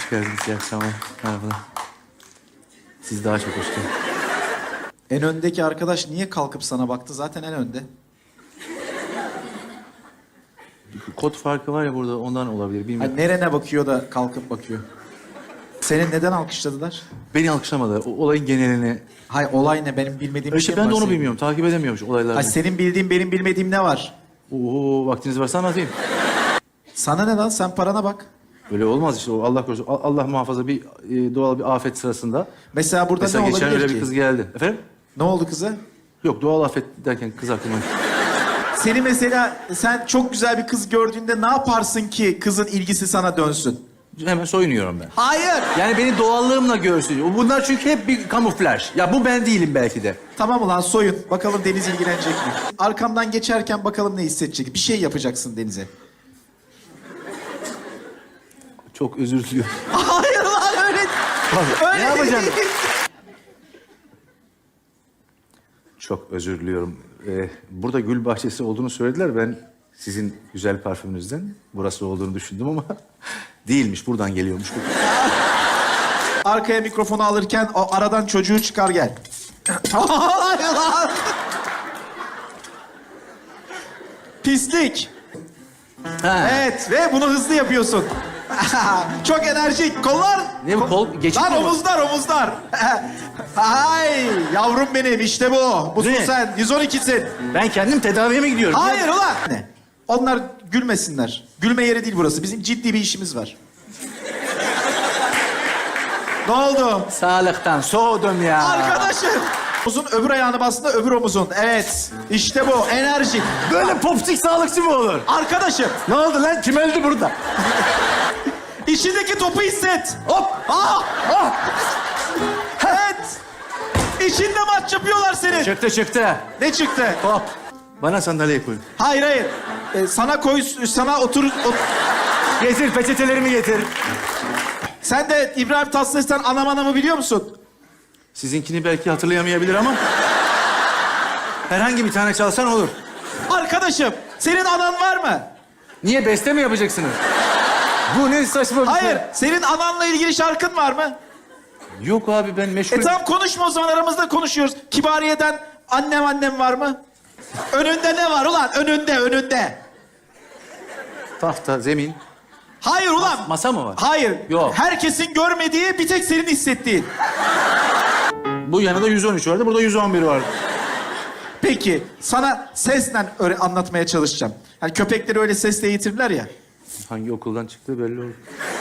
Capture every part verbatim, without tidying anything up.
Hoş geldiniz. İyi akşamlar. Merhabalar. Siz daha çok hoş geldiniz. En öndeki arkadaş niye kalkıp sana baktı? Zaten en önde. Kod farkı var ya burada, ondan olabilir. Bilmiyorum. Hani nerene bakıyor da kalkıp bakıyor? Seni neden alkışladılar? Beni alkışlamadılar. O olayın genelini... Hay olay ne? Benim bilmediğim bir İşte şey ben mi de var onu senin? bilmiyorum. Takip edemiyormuş olaylarını. Hay senin bildiğin benim bilmediğim ne var? Oo, vaktiniz varsa anlatayım. Sana ne lan? Sen parana bak. Böyle olmaz işte. O Allah korusun. A- Allah muhafaza bir e, doğal bir afet sırasında. Mesela burada Mesela ne geçen olabilir öyle ki? bir kız geldi. Efendim? Ne oldu kıza? Yok, doğal afet derken kız aklıma... Seni mesela sen çok güzel bir kız gördüğünde ne yaparsın ki kızın ilgisi sana dönsün? Hemen soyunuyorum ben. Hayır. Yani beni doğallığımla görsün. Bunlar çünkü hep bir kamuflaj. Ya bu ben değilim belki de. Tamam ulan soyun. Bakalım Deniz ilgilenecek mi? Arkamdan geçerken bakalım ne hissedecek. Bir şey yapacaksın Deniz'e. Çok özür diliyorum. Hayır lan öyle. öyle Ne yapacaksın? değil. Çok özür diliyorum. Ee, burada gül bahçesi olduğunu söylediler. Ben sizin güzel parfümünüzden burası olduğunu düşündüm ama değilmiş. Buradan geliyormuş. Arkaya mikrofonu alırken o aradan çocuğu çıkar gel. Hayır lan. Pislik. Ha. Evet ve bunu hızlı yapıyorsun. Çok enerjik. Kollar. Ne bu, kol geçik Lan mi bu? omuzlar omuzlar. Ay yavrum benim işte bu. Busun Ne? sen. yüz on ikisin. Ben kendim tedaviye mi gidiyorum? Hayır ulan. Ne? Onlar gülmesinler. Gülme yeri değil burası. Bizim ciddi bir işimiz var. Ne oldu? Sağlıktan soğudum ya. Arkadaşım. Omuzun öbür ayağını bastığında öbür omuzun. Evet. İşte bu. Enerjik. Böyle popsik sağlıkçı mı olur? Arkadaşım. Ne oldu lan? Kim öldü burada? İçindeki topu hisset. Hop! Ah! Ah! Evet. İçinde maç yapıyorlar senin. Çıktı çıktı. Ne çıktı? Hop. Bana sandalye koy. Hayır hayır. Ee, sana koy, sana otur. ot- Getir peçetelerimi getir. Sen de İbrahim Tatlıses'ten anam anamı biliyor musun? Sizinkini belki hatırlayamayabilir ama... herhangi bir tane çalsan olur. Arkadaşım, senin anan var mı? Niye, beste mi yapacaksınız? Bu ne saçma bir Hayır, şey. senin ananla ilgili şarkın var mı? Yok abi, ben meşgul... E tamam konuşma o zaman, aramızda konuşuyoruz. Kibariye'den annem annem var mı? Önünde ne var ulan? Önünde, önünde. Tahta, zemin. Hayır ulan. Masa mı var? Hayır. Yok. Herkesin görmediği, bir tek senin hissettiğin. Bu yanında yüz on üç vardı, burada yüz on bir vardı. Peki, sana sesle öyle anlatmaya çalışacağım. Yani köpekleri öyle sesle eğitirler ya. Hangi okuldan çıktığı belli oldu.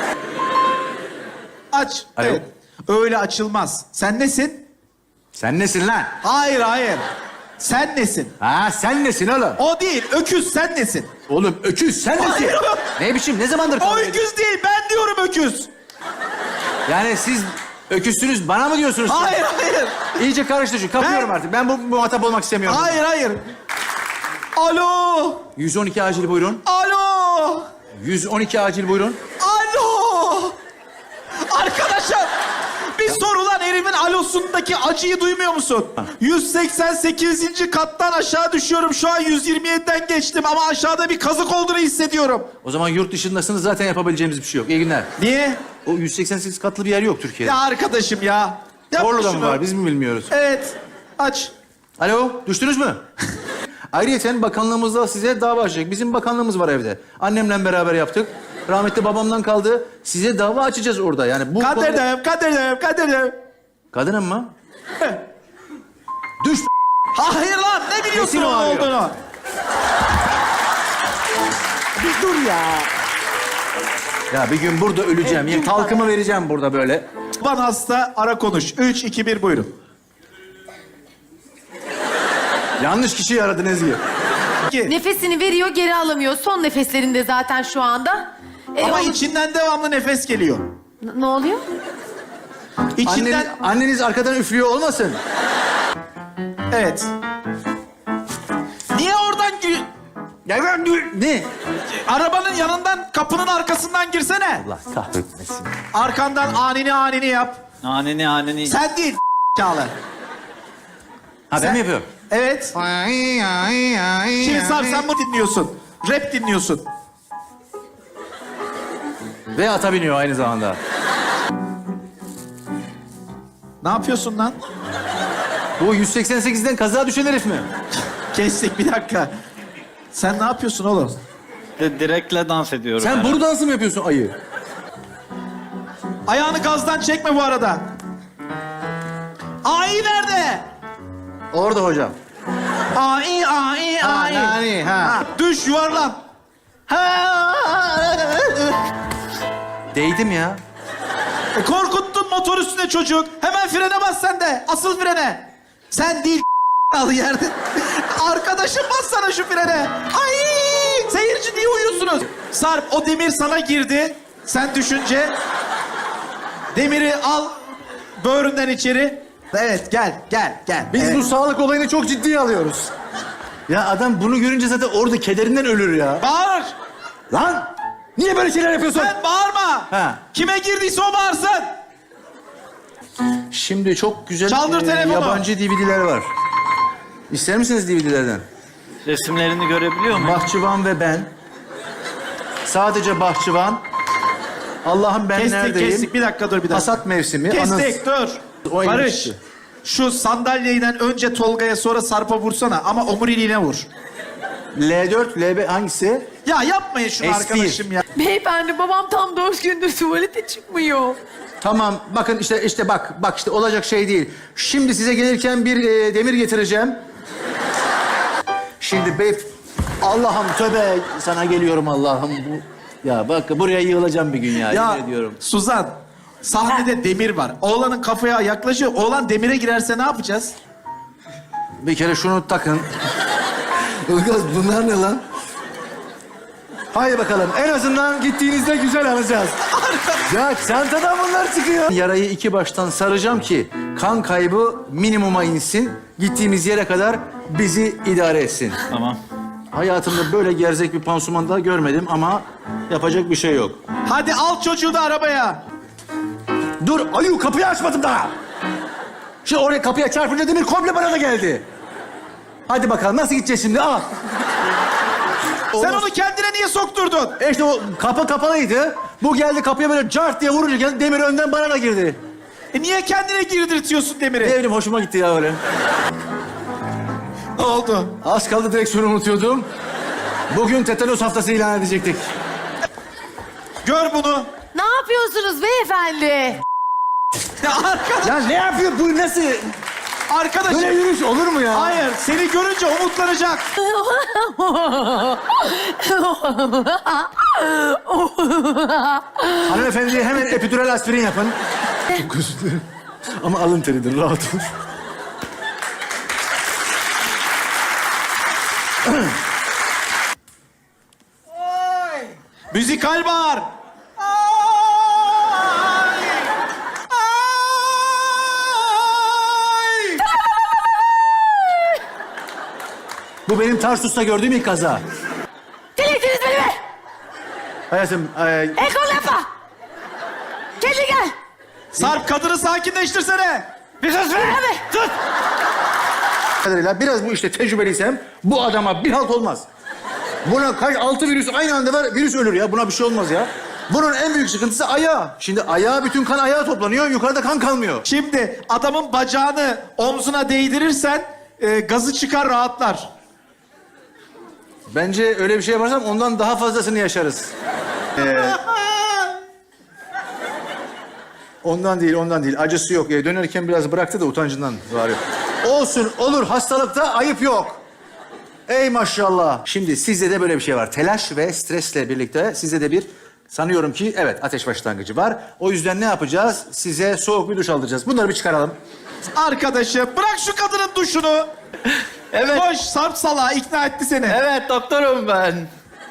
Aç. Alo. Evet. Öyle açılmaz. Sen nesin? Sen nesin lan? Hayır, hayır. Sen nesin? Ha, sen nesin oğlum? O değil, öküz sen nesin? Oğlum öküz, sen nesin? Hayır. Ne biçim, ne zamandır O kavga ediyorsun? öküz değil, ben diyorum öküz. Yani siz öküzsünüz, bana mı diyorsunuz? Hayır, hayır. İyice karıştı şu, kapıyorum Ben- artık. Ben bu muhatap olmak istemiyorum. Hayır, hayır. Alo. yüz on iki acil buyurun. Alo. yüz on iki acil buyurun. Alo. Arkadaşım. Bir sor ulan, herimin alosundaki acıyı duymuyor musun? yüz seksen sekizinci kattan aşağı düşüyorum. Şu an yüz yirmi yediden geçtim ama aşağıda bir kazık olduğunu hissediyorum. O zaman yurt dışındasınız, zaten yapabileceğimiz bir şey yok. İyi günler. Niye? O yüz seksen sekiz katlı bir yer yok Türkiye'de. Ya arkadaşım ya. Yapma Orada mı şunu. var, biz mi bilmiyoruz? Evet. Aç. Alo, düştünüz mü? Ayrıca bakanlığımızda size dava açacak. Bizim bakanlığımız var evde. Annemle beraber yaptık. Rahmetli babamdan kaldı. Size dava açacağız orada. Yani bu... Kadir'im, Kadir'im, Kadir'im. Kadınım mı? Düş. Hayır lan, ne biliyorsun Kesin o onun arıyor. olduğunu? Bir dur ya. Ya bir gün burada öleceğim. Yani talkımı vereceğim burada böyle. Van hasta, ara konuş. Üç, iki, bir, buyurun. Yanlış kişiyi aradın Ezgi. İki. Nefesini veriyor, geri alamıyor. Son nefeslerinde zaten şu anda. E, Ama onu- içinden devamlı nefes geliyor. N- ne oluyor? İçinden... Anneniz, anneniz arkadan üflüyor olmasın? Evet. Niye oradan gir... Ya ben ne? Arabanın yanından, kapının arkasından girsene. Allah kahretmesin. Arkandan anini anini yap. Aneni aneni. Sen değil Çağla. Ha ben Sen- mi yapıyorum? Evet. Şimdi Sarp sen mı dinliyorsun? Rap dinliyorsun. Ve ata biniyor aynı zamanda. Ne yapıyorsun lan? Bu yüz seksen sekizden kaza düşen herif mi? Kestik bir dakika. Sen ne yapıyorsun oğlum? De, direkle dans ediyorum. Sen herhalde. boru dansı mı yapıyorsun ayı? Ayağını gazdan çekme bu arada. Ay nerede? Orada hocam. Ay ay Ha, ay. nani, ha. Ha, düş yuvarlan. Değdim ya. E, korkuttun motor üstüne çocuk. Hemen frene bas sen de. Asıl frene. Sen değil al yerde. Arkadaşım bassana şu frene. Ay! Seyirci niye uyuyorsunuz? Sarp o demir sana girdi. Sen düşünce. Demiri al böğründen içeri. Evet gel gel gel. Biz Evet. bu sağlık olayını çok ciddiye alıyoruz. Ya adam bunu görünce zaten orada kederinden ölür ya. Bağır. Lan! Niye böyle şeyler yapıyorsun? Sen bağırma. Ha. Kime girdiyse o bağırsın. Şimdi çok güzel Çaldır telefonu. yabancı D V D'ler var. İster misiniz D V D'lerden? Resimlerini görebiliyor muyum? Bahçıvan ve ben. Sadece bahçıvan. Allah'ım ben Kestik neredeyim? kestik bir dakika dur bir dakika. Hasat mevsimi. Kestik dur. O Barış. ilginç. Şu sandalyeyle önce Tolga'ya sonra Sarp'a vursana ama omuriliğine vur. L dört, L beş hangisi? Ya yapmayın şunu S bir. arkadaşım ya. Beyefendi babam tam dört gündür tuvalete çıkmıyor. Tamam bakın işte işte bak bak işte olacak şey değil. Şimdi size gelirken bir e, demir getireceğim. Şimdi bey Allah'ım tövbe sana geliyorum Allah'ım bu. Ya bak buraya yığılacağım bir gün ya, Ya yemin ediyorum. Suzan, sahnede demir var. Oğlanın kafaya yaklaşıyor. Oğlan demire girerse ne yapacağız? Bir kere şunu takın. Ilgaz bunlar ne lan? Haydi bakalım en azından gittiğinizde güzel alacağız. Ya çantadan bunlar çıkıyor. Yarayı iki baştan saracağım ki kan kaybı minimuma insin. Gittiğimiz yere kadar bizi idare etsin. Tamam. Hayatımda böyle gerzek bir pansuman daha görmedim ama yapacak bir şey yok. Hadi al çocuğu da arabaya. Dur ayu kapıyı açmadım daha. Şimdi oraya kapıya çarpınca demir komple bana da geldi. Hadi bakalım nasıl gideceğiz şimdi al. Sen onu kendine niye sokturdun? E işte o kapı kapalıydı. Bu geldi kapıya böyle cart diye vurunca geldi, demir önden bana da girdi. E niye kendine girdirtiyorsun demiri? Ne bileyim hoşuma gitti ya öyle. Ne oldu? Az kaldı direksiyonu unutuyordum. Bugün tetanos haftası ilan edecektik. Gör bunu. Ne yapıyorsunuz beyefendi? Ya arkadaş, Ya ne yapıyor bu nasıl? arkadaşım. Böyle yürüyüş olur mu ya? Hayır, seni görünce umutlanacak. Hanımefendi hemen epidural aspirin yapın. Çok özür dilerim. Ama alın teridir rahat ol. Müzikal bağır. Ay! Ay! Bu benim Tarsus'ta gördüğüm ilk kaza. Delirttiniz beni be! Hayatım, e, El kol yapma! Kendine gel! Sarp kadını sakinleştirsene. Bir sus be! Abi! Sus! kadarıyla biraz bu işte tecrübeliysem bu adama bir halt olmaz. Buna kaç altı virüs aynı anda var, virüs ölür ya. Buna bir şey olmaz ya. Bunun en büyük sıkıntısı ayağı. Şimdi ayağa bütün kan ayağa toplanıyor, yukarıda kan kalmıyor. Şimdi adamın bacağını omzuna değdirirsen e, gazı çıkar rahatlar. Bence öyle bir şey yaparsam ondan daha fazlasını yaşarız. Ee, ondan değil, ondan değil. Acısı yok. Ee, dönerken biraz bıraktı da utancından var yok. Olsun, olur. Hastalıkta ayıp yok. Ey maşallah. Şimdi sizde de böyle bir şey var. Telaş ve stresle birlikte sizde de bir sanıyorum ki evet ateş başlangıcı var. O yüzden ne yapacağız? Size soğuk bir duş aldıracağız. Bunları bir çıkaralım. Arkadaşım bırak şu kadının duşunu. Evet. Koş Sarp salağı ikna etti seni. Evet doktorum ben.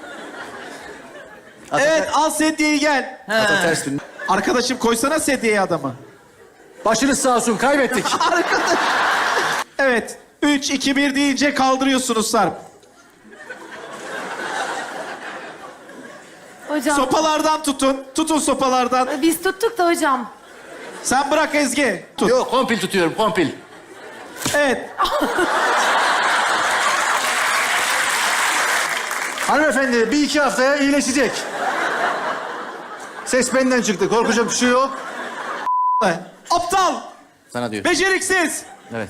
Ata, Evet al sedyeyi gel. ata ters dön. Arkadaşım koysana sedyeye adamı. Başınız sağ olsun. Kaybettik. Arkadaş. Evet. Üç, iki, bir deyince kaldırıyorsunuz Sarp. Hocam, Sopalardan tutun. Tutun sopalardan. biz tuttuk da hocam. Sen bırak Ezgi. Tut. Yok, kompil tutuyorum, kompil. Evet. Hanımefendi bir iki haftaya iyileşecek. Ses benden çıktı. Korkacak bir şey yok. Aptal. Sana diyor. Beceriksiz. Evet.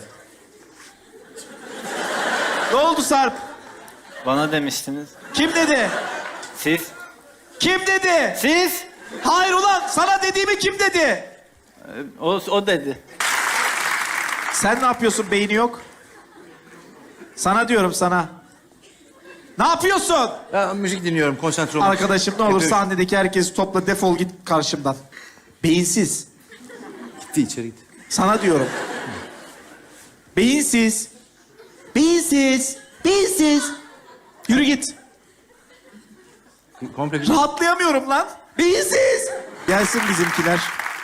Ne oldu Sarp? Bana demiştiniz. Kim dedi? Siz? Kim dedi? Siz? Hayır ulan sana dediğimi kim dedi? Ee, O, o dedi. Sen ne yapıyorsun beyni yok? Sana diyorum sana. Ne yapıyorsun? Ya müzik dinliyorum, konsantre olmak. Arkadaşım ne olur Yapıyorum. sahnedeki herkesi topla defol git karşımdan. Beyinsiz. Gitti içeri gitti. Sana diyorum. Beyinsiz. Beyinsiz. Beyinsiz. Yürü git. Komple Rahatlayamıyorum lan. Beyinsiz. Gelsin bizimkiler.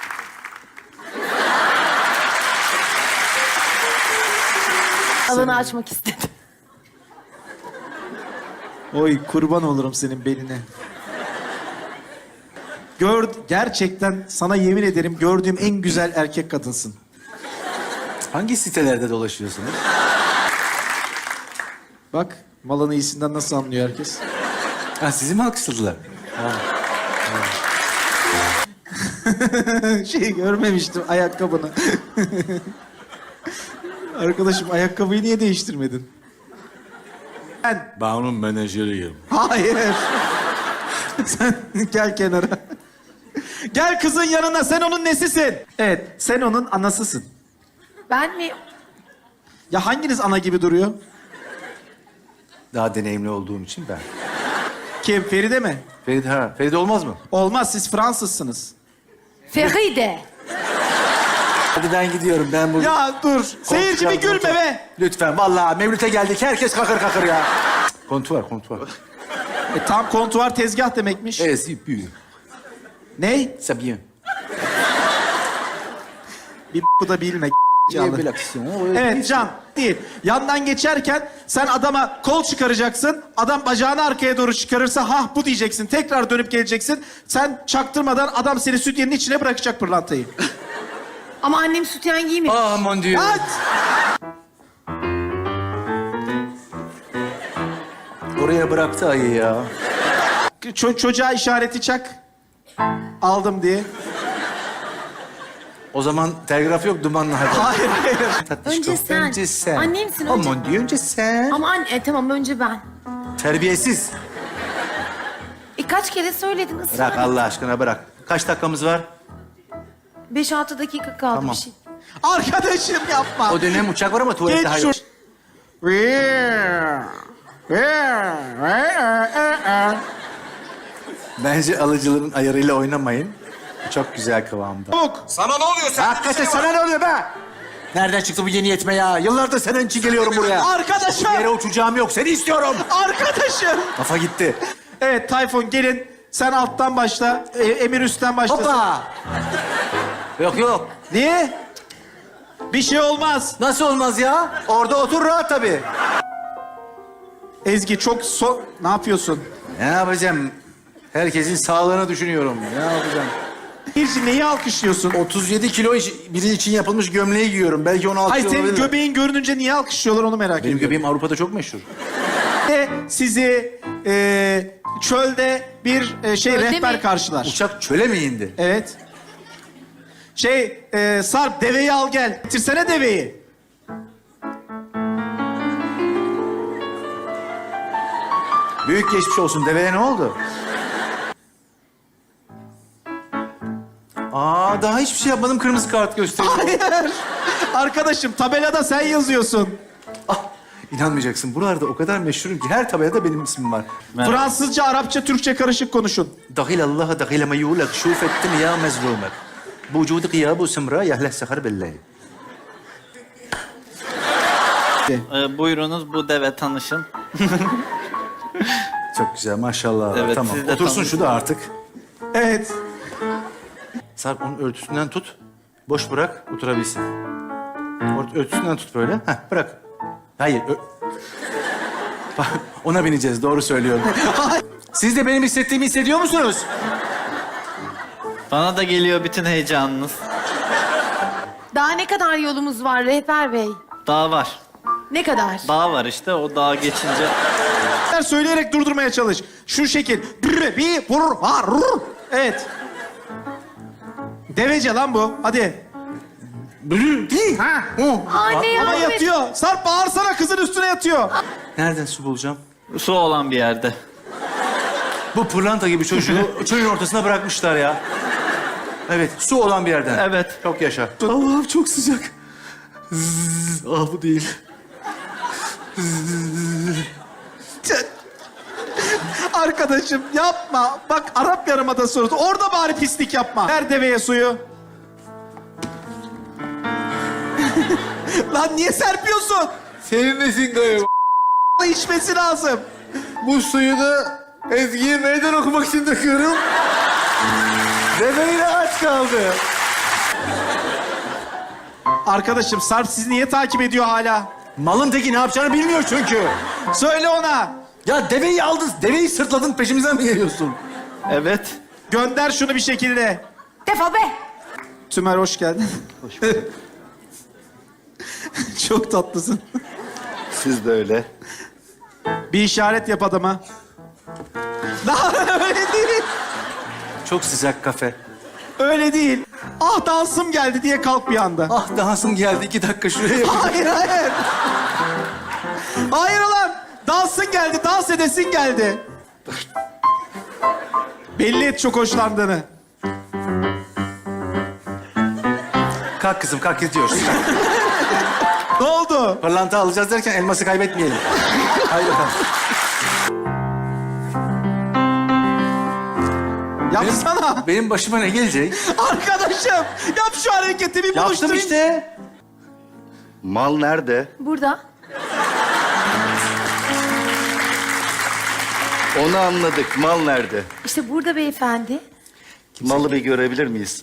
Alanı açmak istedim. Oy kurban olurum senin beline. Gör, gerçekten sana yemin ederim gördüğüm en güzel erkek kadınsın. Hangi sitelerde dolaşıyorsunuz? Bak malın iyisinden nasıl anlıyor herkes. Ha, sizi mi alkışladılar? Şey görmemiştim ayakkabını. Arkadaşım ayakkabıyı niye değiştirmedin? Ben... Ben onun menajeriyim. Hayır. Sen gel kenara. Gel kızın yanına sen onun nesisin? Evet sen onun anasısın. Ben mi? Ya hanginiz ana gibi duruyor? Daha deneyimli olduğum için ben. Kim Feride mi? Feride, ha. Feride olmaz mı? Olmaz siz Fransızsınız. Feride. Hadi ben gidiyorum. Ben bu... Ya dur. Seyirci bir gülme be. Lütfen. Vallahi Mevlüt'e geldik. Herkes kakır kakır ya. Kontuvar, kontuvar. E, tam kontuar tezgah demekmiş. Evet, c'est bien. Ney? C'est bien. Bir bu da bilme. J'ai bir aksiyon. Evet Can değil. Yandan geçerken sen adama kol çıkaracaksın. Adam bacağını arkaya doğru çıkarırsa hah bu diyeceksin. Tekrar dönüp geleceksin. Sen çaktırmadan adam seni sütyenin içine bırakacak pırlantayı. Ama annem sütyen giymiyor. Ah mon dieu. At! Oraya bıraktı ayı ya. Ço- çocuğa işareti çak. Aldım diye. O zaman telgraf yok, dumanlı hadi. Hayır hayır. Tatlışko, Önce sen. Önce sen. Annemsin, Oh önce- mon dieu, önce sen. Ama anne, e, tamam önce ben. Terbiyesiz. E kaç kere söyledin ısrar. Bırak Allah aşkına bırak. Kaç dakikamız var? Beş altı dakika kaldı Tamam. bir şey. Arkadaşım yapma. O dönem uçak var ama tuvalette Geç hayır. şu... Bence alıcıların ayarıyla oynamayın. Çok güzel kıvamda. Çabuk. Sana ne oluyor sen? Hakikaten sana ne oluyor be? Nereden çıktı bu yeni yetme ya? Yıllardır senin için geliyorum buraya. Arkadaşım. Yere uçacağım yok. Seni istiyorum. Arkadaşım. Kafa gitti. Evet Tayfun gelin. Sen alttan başla. E, Emir üstten başlasın. Hoppa. Yok yok. Niye? Bir şey olmaz. Nasıl olmaz ya? Orada otur rahat tabii. Ezgi çok so... Ne yapıyorsun? Ne yapacağım? Herkesin sağlığını düşünüyorum. Ne yapacağım? Birci neyi alkışlıyorsun? otuz yedi kilo iş- biri için yapılmış gömleği giyiyorum. Belki on altı Hayır kilo senin olabilir. göbeğin görününce niye alkışlıyorlar onu merak Benim ediyorum. göbeğim Avrupa'da çok meşhur. Ve sizi e, çölde bir e, şey Çölde rehber mi? karşılar. Uçak çöle mi indi? Evet. Şey e, Sarp deveyi al gel. Getirsene deveyi. Büyük geçmiş olsun. Deveye ne oldu? Aa daha hiçbir şey yapmadım. Kırmızı kart gösteriyor. Hayır. Arkadaşım tabelada sen yazıyorsun. Ah, inanmayacaksın. Buralarda o kadar meşhurum ki her tabelada benim ismim var. Merhaba. Fransızca, Arapça, Türkçe karışık konuşun. Dahil Allah'a dahil ma yulak şuf ettim ya mezlumek. Bu vücudu gıyabu sımra yahleh sehar billahi. Ee, buyurunuz bu deve tanışın. Çok güzel maşallah. Evet, tamam. siz de Otursun tanışın. şu da artık. Evet. Sarp onun örtüsünden tut. Boş bırak oturabilsin. Ort- Örtüsünden tut böyle. Heh, bırak. Hayır. ö- Bak, ona bineceğiz. Doğru söylüyorum. Siz de benim hissettiğimi hissediyor musunuz? Bana da geliyor bütün heyecanınız. Daha ne kadar yolumuz var rehber bey? Dağ var. Ne kadar? Dağ var işte o dağa geçince. Söyleyerek durdurmaya çalış. Şu şekil. Brr, bir, vur, var, rur. Evet. Devece lan bu. Hadi. Değil. Ha, o. Anne Ama yardım et. yatıyor. Sarp bağırsana, kızın üstüne yatıyor. Nereden su bulacağım? Su olan bir yerde. Bu pırlanta gibi çocuğu çölün ortasına bırakmışlar ya. Evet, su olan bir yerden. Evet. Çok yaşa. Allah'ım çok sıcak. Zzz, ah bu değil. Arkadaşım yapma. Bak Arap Yarımadası orada. Orada bari pislik yapma. Ver deveye suyu. Lan niye serpiyorsun? Senin nesin gayet? İçmesi lazım. Bu suyu da Ezgi'ye meydan okumak için döküyorum. Bebeğine aç kaldı. Arkadaşım Sarp sizi niye takip ediyor hala? Malın teki ne yapacağını bilmiyor çünkü. Söyle ona. Ya deveyi aldın, deveyi sırtladın, peşimizden mi geliyorsun? Evet. Gönder şunu bir şekilde. Defol be. Tümer hoş geldin. Hoş bulduk. Çok tatlısın. Siz de öyle. Bir işaret yap adama. Daha öyle değil. Çok sıcak kafe. Öyle değil. Ah dansım geldi diye kalk bir anda. Ah dansım geldi, iki dakika şuraya yapayım. Hayır hayır. Hayır lan. Dansın geldi, dans edesin geldi. Belli et çok hoşlandığını. Kalk kızım, kalk gidiyoruz. Ne oldu? Pırlanta alacağız derken elması kaybetmeyelim. Haydi bakalım. Yapsana. Benim başıma ne gelecek? Arkadaşım yap şu hareketi bir Yaptım buluşturayım. işte. Mal nerede? Burada. Onu anladık. Mal nerede? İşte burada beyefendi. Malı bir görebilir miyiz?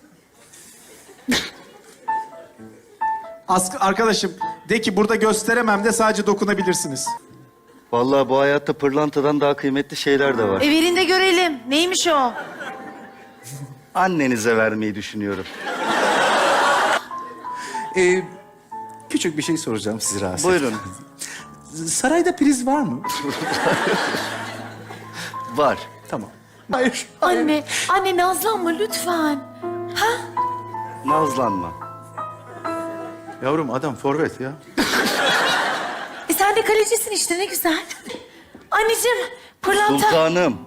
As- arkadaşım de ki burada gösteremem de sadece dokunabilirsiniz. Vallahi bu hayatta pırlantadan daha kıymetli şeyler de var. E verin de görelim. Neymiş o? Annenize vermeyi düşünüyorum. Ee, küçük bir şey soracağım sizi rahatsız. Buyurun. Sarayda priz var mı? Var. Tamam. Hayır. Anne, anne nazlanma lütfen. Ha? Nazlanma. Yavrum adam forvet ya. E sen de kalecisin işte ne güzel. Anneciğim, pırlanta. Sultanım.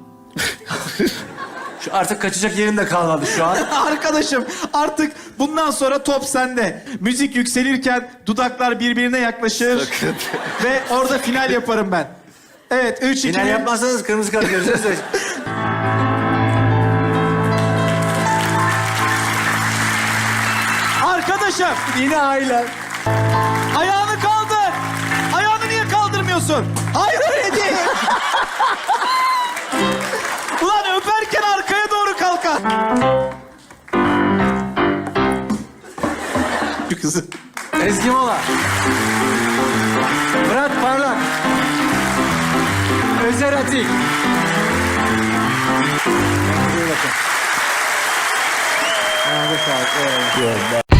Şu artık kaçacak yerin de kalmadı şu an. Arkadaşım artık bundan sonra top sende. Müzik yükselirken dudaklar birbirine yaklaşır. Sakın. Ve orada final yaparım ben. Evet, üç iki Final bir. yapmazsanız kırmızı kart göreceğiz de. Arkadaşım Yine ailen. ayağını kaldır. Ayağını niye kaldırmıyorsun? Hayır öyle değil. Ulan öperken arkaya doğru kalkar. Şu kızı. Ezgi Mola. Murat Parlak. Özer Atik. Kendinize iyi bakın. Ayağınıza sağlık. Eyvallah.